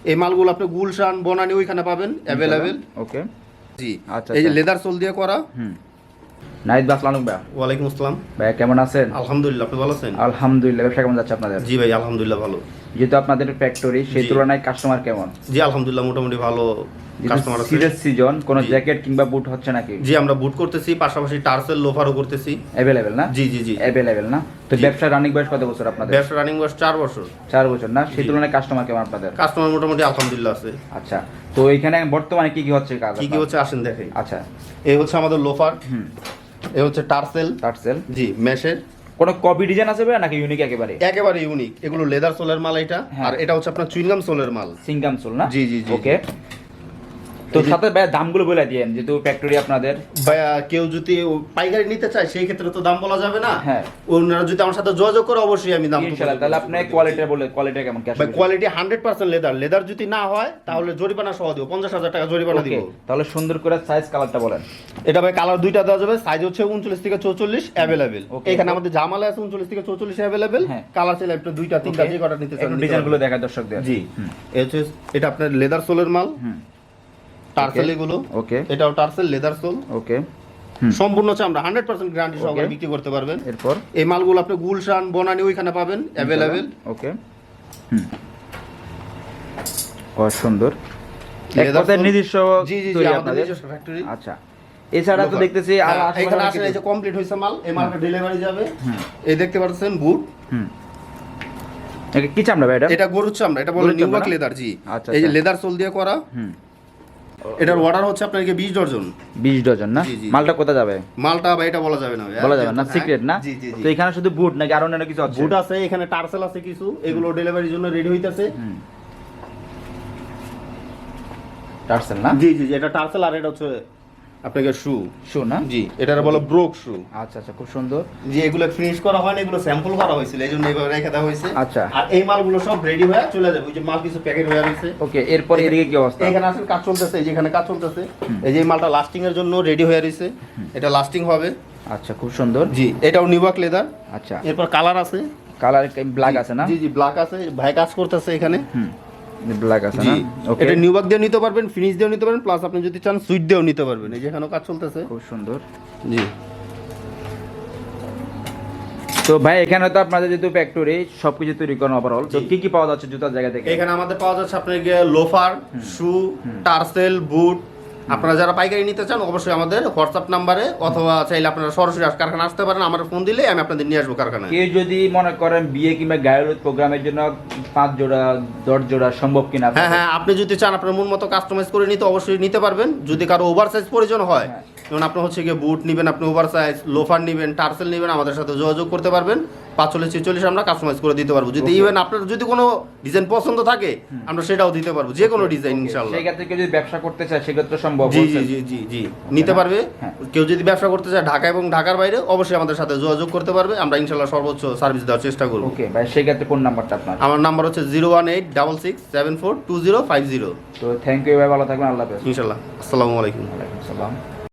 এই মালগুলো আপনি গুলশান বনানী ওইখানে পাবেন অ্যাভেলেবেল। ওকে জি আচ্ছা, এই যে লেদার সোল দিয়ে করা। নাইস ভাই, আসসালামু আলাইকুম ভাই। ওয়ালাইকুম আসসালাম ভাই কেমন আছেন? আলহামদুলিল্লাহ, আপনি ভালো আছেন? আলহামদুলিল্লাহ। ব্যবসা কেমন যাচ্ছে আপনাদের? জি ভাই আলহামদুলিল্লাহ ভালো। যেহেতু আপনাদের ফ্যাক্টরি, সেই জি। তুলনায় কাস্টমার কেমন? জি আলহামদুলিল্লাহ মোটামুটি ভালো কাস্টমার আছে। সিরিয়াস সিজন কোন জি। জ্যাকেট কিংবা বুট হচ্ছে নাকি? জি আমরা বুট করতেছি, পাশাপাশি টার্সেল লোফারও করতেছি। অ্যাভেলেবেল না? জি জি জি অ্যাভেলেবেল না? তো জি। ব্যবসা রানিং বয়স কত বছর আপনাদের? ব্যবসা রানিং বয়স 4 বছর। 4 বছর না? সেই জি। তুলনায় কাস্টমার কেমন আপনাদের? কাস্টমার মোটামুটি আলহামদুলিল্লাহ আছে। আচ্ছা, তো এখানে বর্তমানে কি কি হচ্ছে কাজ? কি কি হচ্ছে আসেন দেখাই। আচ্ছা, এই হচ্ছে আমাদের লোফার, এই হচ্ছে টার্সেল। টার্সেল। জি মেশের কোন কপি ডিজাইন আছে ভাই নাকি ইউনিক একেবারে? একেবারে ইউনিক। এগুলো লেদার সোলের মাল এটা, হ্যাঁ। আর এটা হচ্ছে আপনার চুইংগাম সোলের মাল। সিঙ্গাম সোল না? জি জি জি ওকে। তো সাথে ভাই দামগুলো বলে দিয়েন, যেহেতু ফ্যাক্টরি আপনাদের। ভাইয়া কেউ যদি পাইকারি নিতে চায় সেই ক্ষেত্রে তো দাম বলা যাবে না। হ্যাঁ। ওনারা যদি আমার সাথে যোগাযোগ করে অবশ্যই আমি দাম ইনশাআল্লাহ। তাহলে আপনি কোয়ালিটি বলে, কোয়ালিটি কেমন? ক্যাশ ভাই কোয়ালিটি 100% লেদার। লেদার যদি না হয় তাহলে জরিমানা সহ দিব, 50,000 টাকা জরিমানা দিব। তাহলে সুন্দর করে সাইজ কালারটা বলেন। এটা ভাই কালার দুইটা দেওয়া যাবে, সাইজ হচ্ছে 39 থেকে 44 अवेलेबल। Okay. এখানে আমাদের জামালে আছে 39 থেকে 44 अवेलेबल। হ্যাঁ। কালার চাইলে আপনি দুইটা তিনটা যে কটা নিতে চান একটু ডিজাইনগুলো দেখা দর্শকদের। জি এই হচ্ছে এটা আপনার লেদার সোলের মাল। টার্সেল এগুলো। ওকে। এটাও টার্সেল লেদার সোল। ওকে। সম্পূর্ণ হচ্ছে আমরা 100% গ্যারান্টি সহকারে বিক্রি করতে পারবেন। এরপর এই মালগুলো আপনি গুলশান বনানী ওইখানে পাবেন अवेलेबल। ওকে। খুব সুন্দর। এক Leather কথায় soul- নিজস্ব জি জি জি তৈরি আমাদের আপনাদের? নিজস্ব ফ্যাক্টরি। আচ্ছা, এছাড়া তো দেখতেছি আর এখানে আসলে এই যে কমপ্লিট হইছে মাল, এই মালটা ডেলিভারি যাবে। এই দেখতে পাচ্ছেন বুট। এটা কি চামড়া ভাই এটা? এটা গরুর চামড়া, এটা বলে গরুর নিউবাক চামড়া? লেদার। জি আচ্ছা, এই যে আচ্ছা। লেদার সোল দিয়ে করা। এটার অর্ডার হচ্ছে আপনাকে 20 ডজন। 20 ডজন না? জি, জি। মালটা কোথায় যাবে? মালটা ভাই এটা বলা যাবে না ভাই। বলা যাবে না, সিক্রেট না? জি জি জি। তো এখানে শুধু বুট নাকি আর অন্যান্য কিছু আছে? বুট আছে, এখানে টার্সেল আছে কিছু, এগুলো ডেলিভারির জন্য রেডি হইতাছে। টার্সেল না? জি জি জি এটা টার্সেল, আর এটা হচ্ছে আপনাকে শু। শু না? জি এটার বলে ব্রোক শু। আচ্ছা আচ্ছা, খুব সুন্দর। জি এগুলো ফিনিশ করা হয় না, এগুলো স্যাম্পল করা হয়েছিল, এইজন্য এইভাবে রেখে দেওয়া হয়েছে। আচ্ছা। আর এই মালগুলো সব রেডি হয়ে চলে যাবে। ওই যে মাল কিছু প্যাকেট হয়ে রয়েছে। ওকে, এরপর এদিকে কি অবস্থা? এখানে আসলে কাজ চলতেছে, এই যে এখানে কাজ চলতেছে। এই যে এই মালটা লাস্টিং এর জন্য রেডি হয়ে রয়েছে, এটা লাস্টিং হবে। আচ্ছা, খুব সুন্দর। জি এটাও নিউবাক লেদার। আচ্ছা, এরপর কালার আছে। কালার ব্ল্যাক আছে না? জি জি ব্ল্যাক আছে, ভাই কাজ করতেছে এখানে। ব্ল্যাক আছে জি না? ওকে, এটা নিউবাক দিয়ে নিতে পারবেন, ফিনিশ দিয়েও নিতে পারবেন, প্লাস আপনি যদি চান সুইট দিয়েও নিতে পারবেন। এই যে এখানেও কাজ চলতেছে। খুব সুন্দর। জি তো ভাই এখানে তো আপনাদের যেহেতু ফ্যাক্টরি সবকিছু তৈরি করেন ওভারঅল, তো কি কি পাওয়া যাচ্ছে জুতার জায়গা থেকে? এখানে আমাদের পাওয়া যাচ্ছে আপনার লোফার, শু, টার্সেল, বুট। আপনারা যারা পাইকারি নিতে চান অবশ্যই আমাদের হোয়াটসঅ্যাপ নাম্বারে, অথবা চাইলে আপনারা সরাসরি কারখানা আসতে পারেন, আমার ফোন দিলে আমি আপনাদের নিয়ে আসবো কারখানায়। কেউ যদি মনে করেন বিয়ে কিংবা গায়ের প্রোগ্রামের জন্য 5 জোড়া 10 জোড়া সম্ভব কিনা? হ্যাঁ হ্যাঁ, আপনি যদি চান আপনার মন মতো কাস্টমাইজ করে নিতে অবশ্যই নিতে পারবেন। যদি কারো ওভার সাইজ প্রয়োজন হয়, যেমন আপনি হচ্ছে গিয়ে বুট নেবেন, আপনি ওভার সাইজ, লোফার নেবেন, টার্সেল নেবেন, আমাদের সাথে যোগাযোগ করতে পারবেন। 45-46 আমরা কাস্টমাইজ করে দিতে পারবো। যদি ইভেন আপনার যদি কোনো ডিজাইন পছন্দ থাকে আমরা সেটাও দিতে পারবো, যে কোনো ডিজাইন ইনশাআল্লাহ। সেই ক্ষেত্রে কেউ যদি ব্যবসা করতে চায় সেক্ষেত্রে সম্ভব? জি জি জি জি জি নিতে পারবে। হ্যাঁ। কেউ যদি ব্যবসা করতে চায় ঢাকা এবং ঢাকার বাইরে অবশ্যই আমাদের সাথে যোগাযোগ করতে পারবে, আমরা ইনশাআল্লাহ সর্বোচ্চ সার্ভিস দেওয়ার চেষ্টা করব। ওকে ভাই, সেই ক্ষেত্রে কোন নাম্বারটা আপনার? আমার নাম্বার হচ্ছে 01866742050। তো থ্যাংক ইউ ভাই, ভালো থাকবেন, আল্লাহ হাফেজ। ইনশাআল্লাহ। আসসালামু আলাইকুম। ওয়ালাইকুম আসসালাম।